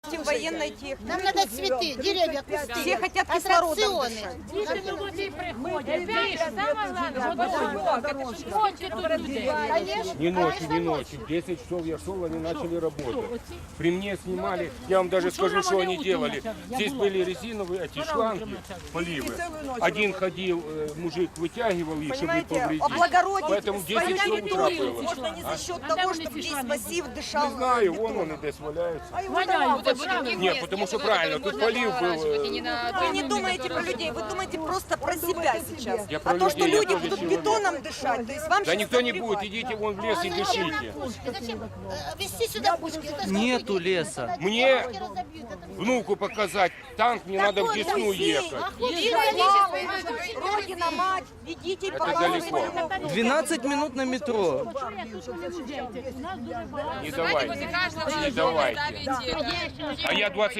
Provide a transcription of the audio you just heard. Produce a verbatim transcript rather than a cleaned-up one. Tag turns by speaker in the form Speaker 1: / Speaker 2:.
Speaker 1: военной техники.
Speaker 2: Нам надо цветы, деревья, кусты.
Speaker 1: Все хотят кислородом
Speaker 2: Аттракционы.
Speaker 1: дышать.
Speaker 3: Не ночью, не ночью. В десять часов я шел, они начали работать. При мне снимали, я вам даже скажу, что они делали. Здесь были резиновые эти шланги, поливы. Один ходил, э, мужик вытягивал их, чтобы не
Speaker 1: Понимаете,
Speaker 3: повредить.
Speaker 1: облагородить
Speaker 3: Поэтому в
Speaker 1: свою
Speaker 3: десять часов утра
Speaker 1: территорию
Speaker 3: было.
Speaker 1: можно не за счет того, чтобы весь массив дышал.
Speaker 3: Не знаю, вон он и здесь валяется.
Speaker 4: Нет,
Speaker 3: Нет, потому что правильно, тут полив был. э,
Speaker 1: Вы не думаете про людей, вы думаете просто про себя сейчас.
Speaker 3: Я про
Speaker 1: А то, что
Speaker 3: людей, я
Speaker 1: люди
Speaker 3: тоже
Speaker 1: будут
Speaker 3: человек.
Speaker 1: бетоном дышать, то есть вам
Speaker 3: Да
Speaker 1: сейчас
Speaker 3: никто не
Speaker 1: наплевать.
Speaker 3: будет, идите вон в лес и дышите.
Speaker 2: Зачем э, везти сюда пушки? Это
Speaker 5: Нету
Speaker 2: сколько денег?
Speaker 5: леса.
Speaker 2: Это
Speaker 3: Мне
Speaker 2: пушки разобьют. Это
Speaker 3: внуку показать танк, мне надо в Десну ехать.
Speaker 1: Родина, мать, ведите и
Speaker 3: Это
Speaker 1: показывайте.
Speaker 3: далеко.
Speaker 5: двенадцать минут на метро.
Speaker 3: Не давайте. Не давайте. А я двадцать